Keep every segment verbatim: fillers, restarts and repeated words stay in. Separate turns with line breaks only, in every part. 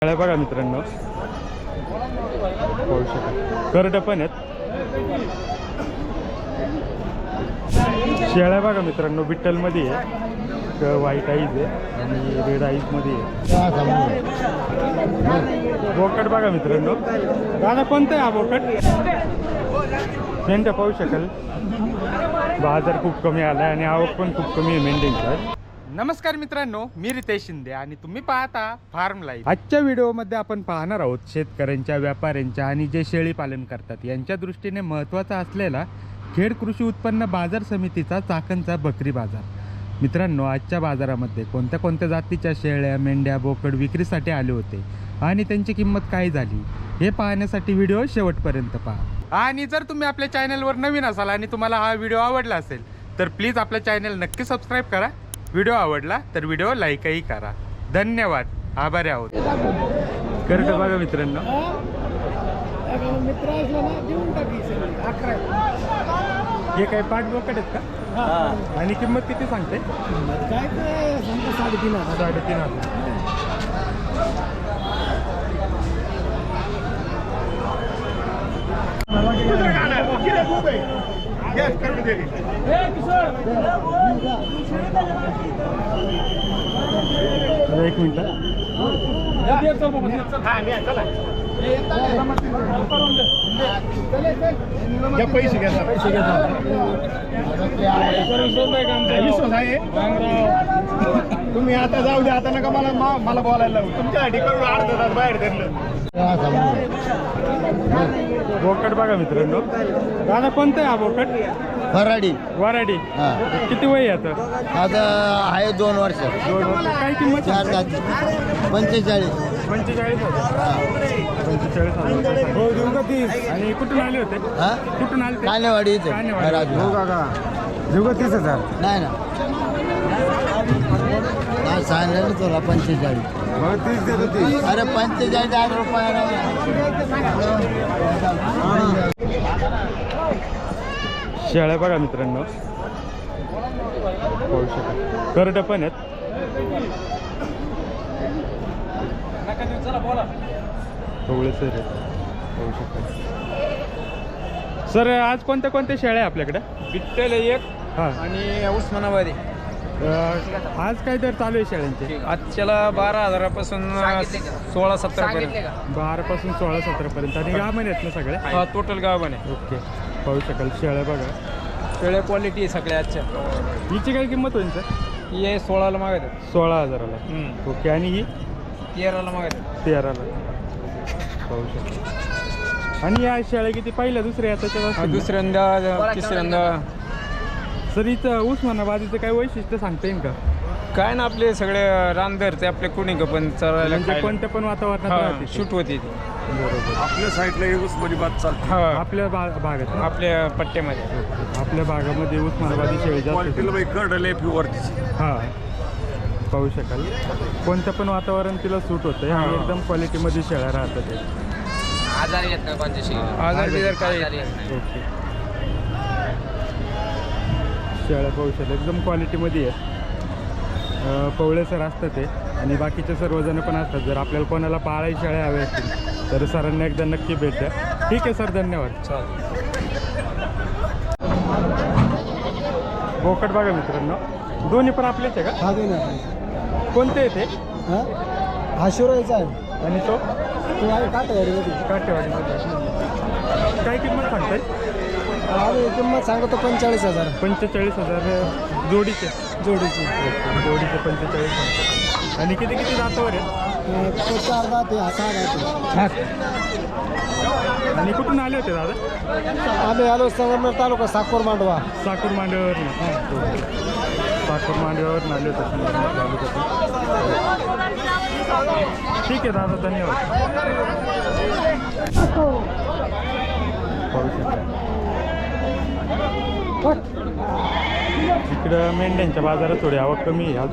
शेळ्या बघा मित्रांनो, पाहू शकाल करडं पण आहेत. शेळ्या बघा मित्रांनो, विठ्ठलमध्ये आहे, व्हाईट आईज आहे आणि रेड आईजमध्ये आहे. बोकड बघा मित्रांनो, दादा कोणतं आहे हा बोकड? मेंढ्या पाहू शकाल, बाजार खूप कमी आला आणि आवक पण खूप कमी आहे मेंढ्यांची. नमस्कार मित्रांनो, मी रितेश शिंदे आणि तुम्ही पाहता फार्म लाईफ. आजच्या व्हिडिओमध्ये आपण पाहणार आहोत शेतकऱ्यांच्या, व्यापाऱ्यांच्या आणि जे शेळी पालन करतात यांच्या दृष्टीने महत्त्वाचा असलेला खेड कृषी उत्पन्न बाजार समितीचा चाकणचा बकरी बाजार. मित्रांनो, आजच्या बाजारामध्ये कोणत्या कोणत्या जातीच्या शेळ्या, मेंढ्या, बोकड विक्रीसाठी आले होते आणि त्यांची किंमत काय झाली हे पाहण्यासाठी व्हिडिओ शेवटपर्यंत पहा. आणि जर तुम्ही आपल्या चॅनलवर नवीन असाल आणि तुम्हाला हा व्हिडिओ आवडला असेल तर प्लीज आपल्या चॅनल नक्की सबस्क्राईब करा. व्हिडिओ आवडला तर व्हिडिओ लाईकही करा. धन्यवाद, आभारी आहोत. करडं बघा मित्रांनो, हे काय पाच बोकड आहेत का? आणि किंमत किती सांगते? साडेतीन हजार साडेतीन हजार एक मिनिट.
पैसे घ्या पैसे घ्या तुम्ही आता जाऊ द्या, आता नका मला मला बोलायला लावू. तुमच्यासाठी करून अर्धा तास बाहेर धरलं.
बोकड बघा मित्रांनो, दादा कोणतं आहे हा बोकड?
वराडी.
वराडी. किती वय आहे आता?
आता आहे दोन वर्ष.
दोन वर्ष. काय किंमत?
चार जाती. पंचेचाळीस.
पंचेचाळीस हजार पंचेचाळीस हजार हो देऊ का तीस? आणि कुठून आले होते?
हा
कुठून आले?
कानेवाडी.
कानेवाडी. हो काका, देऊ का तीस हजार?
नाही ना, नाही सांगितलं ना तुला पंचेचाळीस.
तीस देतो तीस.
अरे पंचेचाळीस हजार रुपये.
शेळ्या बघा मित्रांनो, पाहू शकाल करडं पण आहेत. कवळे सर आहेत, पाहू शकाल. सर आज कोणत्या कोणत्या शेळ्या आहे आपल्याकडे?
विठ्ठल एक
हां,
आणि उस्मानाबादी.
आज काय दर चालू आहे शेळ्यांचे?
आजच्याला बारा हजारापासून सोळा सतरा पर्यंत.
बारापासून सोळा सतरापर्यंत. आणि गाभण आहेत ना सगळ्या?
हा, टोटल गावाने.
ओके, पाहू शकाल शेळ्या बघा.
सगळ्या क्वालिटी सगळ्या आजच्या.
हिची काय किंमत होईल सर?
ही सोळाला मागतात.
सोळा हजाराला. ओके, आणि ही
तेराला मागतात.
तेराला. पाहू शकाल. आणि या शेळ्या किती पहिल्या दुसऱ्या त्याच्या?
दुसऱ्यांदा तिसऱ्यांदा.
सर इथं उस्मानाबादीचं काय वैशिष्ट्य सांगता येईल का?
काय ना, आपले सगळे रानदर ते आपले कुणी का पण चरायला
म्हणजे कोणत्या पण वातावरणात
शूट होती.
बरोबर.
आपल्या साईडला उस्मानाबाद चालते. हा,
आपल्या भा- भागात ना?
आपल्या पट्ट्यामध्ये.
आपल्या भागामध्ये उस्मानाबादी शेळी जास्त.
कडले प्युअरची.
हां, पाहू शकाल कोणत्या पण वातावरण तिला सूट होतं आणि एकदम क्वालिटीमध्ये शेळ्या राहतात ते.
आजार येत नाही कोणत्या
आजार बिजार काय.
ओके, शेळ्या पाहू शकाल एकदम क्वालिटीमध्ये आहे. पवळे सर असतात ते आणि बाकीचे सर्वजण पण असतात. जर आपल्याला कोणाला पाळाई शेळ्या हव्या असतील तर सरांना एकदा नक्की भेट द्या. ठीक आहे सर, धन्यवाद. बोकड बघा मित्रांनो, दोन्ही पण आपलेच आहे का?
हा दोन
कोणते आहे ते?
हा शिवरायचा आहे
आणि तो
तो आहे काटेवाडीमध्ये.
काटेवाडीमध्ये. काय किंमत सांगताय?
आम्ही किंमत सांगतो पंचेचाळीस हजार.
पंचेचाळीस हजार जोडीचे.
जोडीची.
जोडीचे पंचेचाळीस हजार. आणि किती किती जातावर आहेत?
तो चार दाते, हा सहा दाते.
आणि कुठून आले होते दादा?
आम्ही आलो संगमनेर तालुका साकोर मांडवा.
साकूर मांडव्यावरनं. साकूर मांडव्यावरनं आले होते. ठीक आहे दादा, धन्यवाद. इकडं मेंढ्यांच्या बाजारात थोडी आवक कमी आहे आज.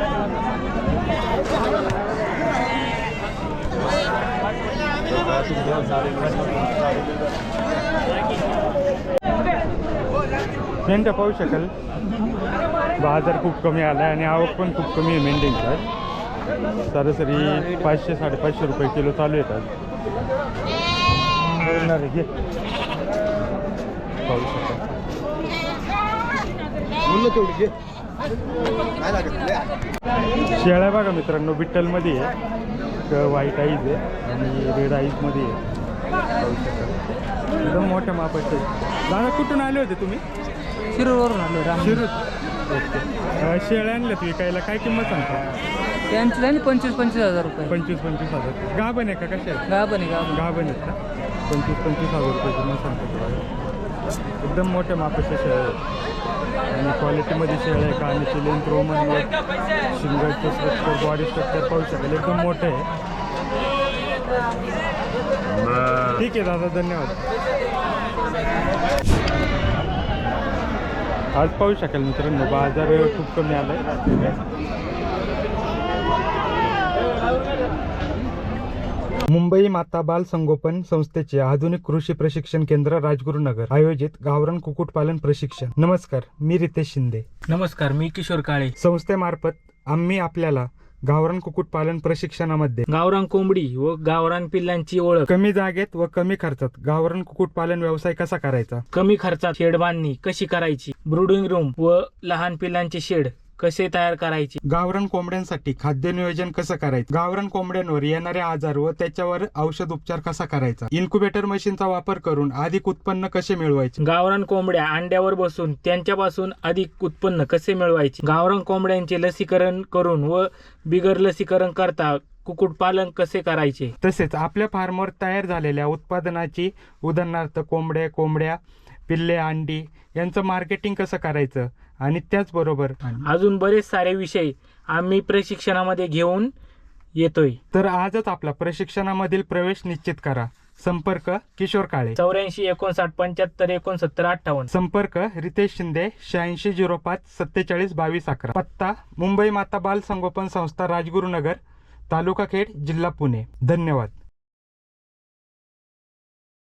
मेंढ्या पाहू शकाल, बाजार खूप कमी आला आणि आवक पण खूप कमी आहे मेंढ्यांची आज. सरासरी पाचशे साडेपाचशे रुपये किलो चालू येतात. घे पाहू शकता. शेळ्या बघा मित्रांनो, विठ्ठलमध्ये आहे, एक व्हाईट आईज आहे आणि रेड आईजमध्ये आहे. पाहू शकता एकदम मोठ्या मापाचे. दादा कुठून आले होते तुम्ही?
शिरूरवरून आलो राम.
शिरूर. ओके. अं, शेळ्या आणल्यात विकायला, काय किंमत सांगता?
त्यांची झाली पंचवीस पंचवीस हजार रुपये.
पंचवीस पंचवीस हजार. गाभण आहे का कशा आहेत?
गाभण आहे गाभण.
गाभण आहेत का? पंचवीस पंचवीस हजार रुपये किंमत सांगतो. एकदम मोठ्या मापाच्या शेळ्या आहेत आणि क्वालिटीमध्ये शेळ्या आहे. कानाची लेंथ, रोमन नेक, शिंगाचं स्ट्रक्चर, बॉडी स्ट्रक्चर पाहू शकेल, एकदम मोठं आहे. ठीक आहे दादा, धन्यवाद. आज पाहू शकाल मित्रांनो, बाजार खूप कमी आला आहे. मुंबई माता बाल संगोपन संस्थेचे आधुनिक कृषी प्रशिक्षण केंद्र राजगुरुनगर आयोजित गावरान कुक्कुटपालन प्रशिक्षण. नमस्कार, मी रितेश शिंदे.
नमस्कार, मी किशोर काळे.
संस्थेमार्फत आम्ही आपल्याला गावरान कुक्कुटपालन प्रशिक्षणामध्ये
गावरान कोंबडी व गावरान पिल्लांची ओळख,
कमी जागेत व कमी खर्चात गावरान कुक्कुटपालन व्यवसाय कसा करायचा,
कमी खर्चात शेड बांधणी कशी करायची, ब्रूडिंग रूम व लहान पिल्लांचे शेड कसे तयार करायचे,
गावरान कोंबड्यांसाठी खाद्य नियोजन कसं करायचं, गावरान कोंबड्यांवर येणारे आजार व त्याच्यावर औषध उपचार कसा करायचा, इन्क्युबेटर मशीनचा वापर करून अधिक उत्पन्न कसे मिळवायचे,
गावरान कोंबड्या अंड्यावर बसून त्यांच्यापासून अधिक उत्पन्न कसे मिळवायचे, गावरान कोंबड्यांचे लसीकरण करून व बिगर लसीकरण करता कुक्कुटपालन कसे करायचे,
तसेच आपल्या फार्मवर तयार झालेल्या उत्पादनाची, उदाहरणार्थ कोंबड्या कोंबड्या पिल्ले, अंडी यांचं मार्केटिंग कसं करायचं आणि त्याचबरोबर
अजून बरेच सारे विषय आम्ही प्रशिक्षणामध्ये घेऊन येतोय.
तर आजच आपला प्रशिक्षणामधील प्रवेश निश्चित करा. संपर्क किशोर काळे,
चौऱ्याऐंशी एकोणसाठ पंच्याहत्तर एकोणसत्तर अठ्ठावन्न.
संपर्क रितेश शिंदे, शहाऐंशी झिरो पाच सत्तेचाळीस बावीस अकरा. पत्ता मुंबई माता बाल संगोपन संस्था राजगुरुनगर, तालुका खेड, जिल्हा पुणे. धन्यवाद.